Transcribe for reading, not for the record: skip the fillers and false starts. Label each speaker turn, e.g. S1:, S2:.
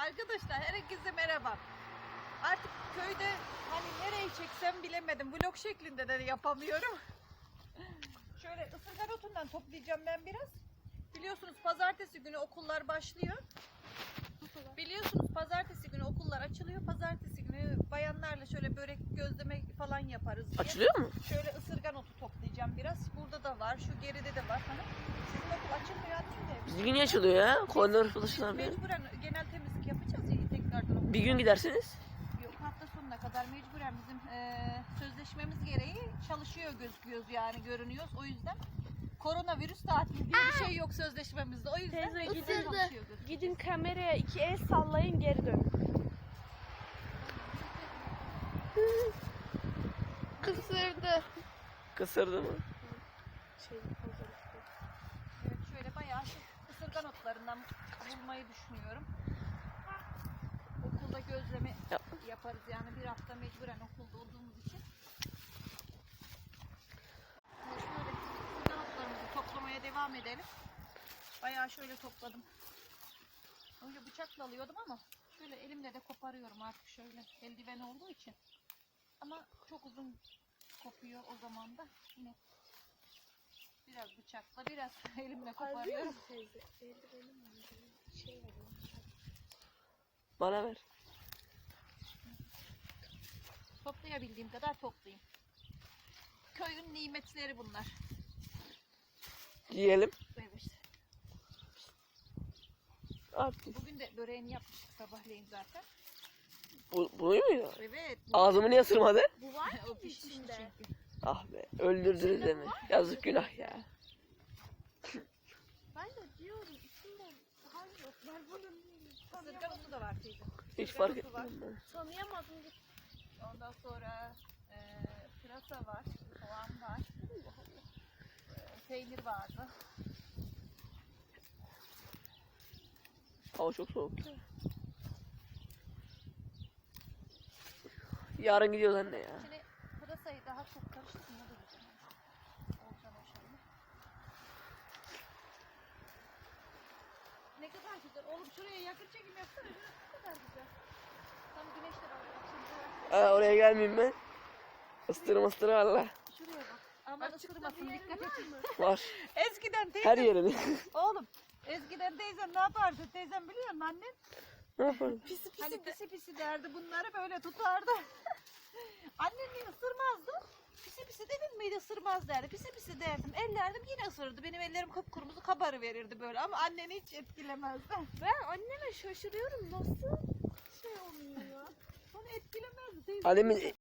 S1: Arkadaşlar herkese merhaba. Artık köyde hani nereye çeksem bilemedim. Vlog şeklinde de yapamıyorum. Şöyle ısırgan otundan toplayacağım ben biraz. Biliyorsunuz pazartesi günü okullar başlıyor. Biliyorsunuz pazartesi günü okullar açılıyor. Pazartesi günü bayanlarla şöyle börek, gözleme falan yaparız diye.
S2: Açılıyor mu?
S1: Şöyle ısırgan otu toplayacağım biraz. Burada da var, şu geride de var. Hani sizin okul açılmıyor değil mi?
S2: Bizimki niye açılıyor ya? Koridor falan bir.
S1: Mecburen genel temizlik yapacağız ya tekrardan okul.
S2: Bir gün gidersiniz.
S1: Yok, hafta sonuna kadar mecburen bizim sözleşmemiz gereği çalışıyor gözüküyoruz yani görünüyoruz. O yüzden koronavirüs tatili diye bir şey yok sözleşmemizde. O yüzden
S3: Teyze,
S1: mecburen
S3: ısırdı.
S1: çalışıyor gözüküyoruz.
S3: Gidin kameraya 2 el sallayın, geri dönün. Kısırdı.
S2: Kısırdı mı?
S1: Evet, şöyle bayağı ısırgan otlarından bulmayı düşünüyorum. Okulda gözleme yaparız yani bir hafta mecburen okulda olduğumuz için. Şöyle ısırgan otlarımızı toplamaya devam edelim. Bayağı şöyle topladım. Önce bıçakla alıyordum ama şöyle elimle de koparıyorum artık şöyle eldiven olduğu için. Ama çok uzun kopuyor o zaman da yine biraz bıçakla biraz elimle koparıyorum.
S3: Teyze, eldivenim şey var.
S2: Bana ver.
S1: Toplayabildiğim kadar toplayayım. Köyün nimetleri bunlar.
S2: Yiyelim.
S1: Evet.
S2: At.
S1: Bugün de böreğini yapmıştık sabahleyin zaten.
S2: Bunu muydu?
S1: Evet.
S2: Ağzımı niye ısırmadı?
S3: Bu var
S1: O
S3: mı
S1: pişmiş
S3: içinde?
S1: çünkü.
S2: Ah be. Öldürdünüz deme. Yazık günah ya.
S3: Ben de diyorum içinde hangi ot var bunun?
S1: Isırgan otu da var teyze.
S2: Hiç
S1: Isırgan
S2: fark
S1: otu var.
S2: etmedim ben.
S3: Tanıyamadım.
S1: Ondan sonra pırasa var, soğan var, peynir vardı.
S2: Hava çok soğuk. Yarın gidiyoruz anne ya.
S1: Şimdi pırasayı daha çok karıştırdım. O da güzel. Olacak inşallah. Ne kadar güzel. Oğlum şuraya yakın çekim yapsana. Şurası ne kadar güzel. Tam güneş de var. Şimdi
S2: Oraya gelmeyeyim ben. Istırı valla.
S1: şuraya bak. Aman ısırmasın, dikkat et.
S2: Var.
S1: Eskiden
S2: Her
S1: teyzem,
S2: yerini.
S1: oğlum eskiden teyzem ne yapardı? Teyzem biliyor musun annen?
S2: Ne yapalım?
S3: Pisi pisi
S1: Hani
S3: de.
S1: pisi pisi derdi, bunları böyle tutardı. Annem beni ısırmazdı. Pisi pisi dedin miydi ısırmaz derdi. Pisi pisi derdim. Ellerdim yine ısırırdı. Benim ellerim kıpkırmızı kabarı verirdi böyle ama anneni hiç etkilemezdi.
S3: Ben anneme şaşırıyorum, nasıl şey olmuyor ya?
S1: Onu etkilemezdi teyze.
S2: Annemin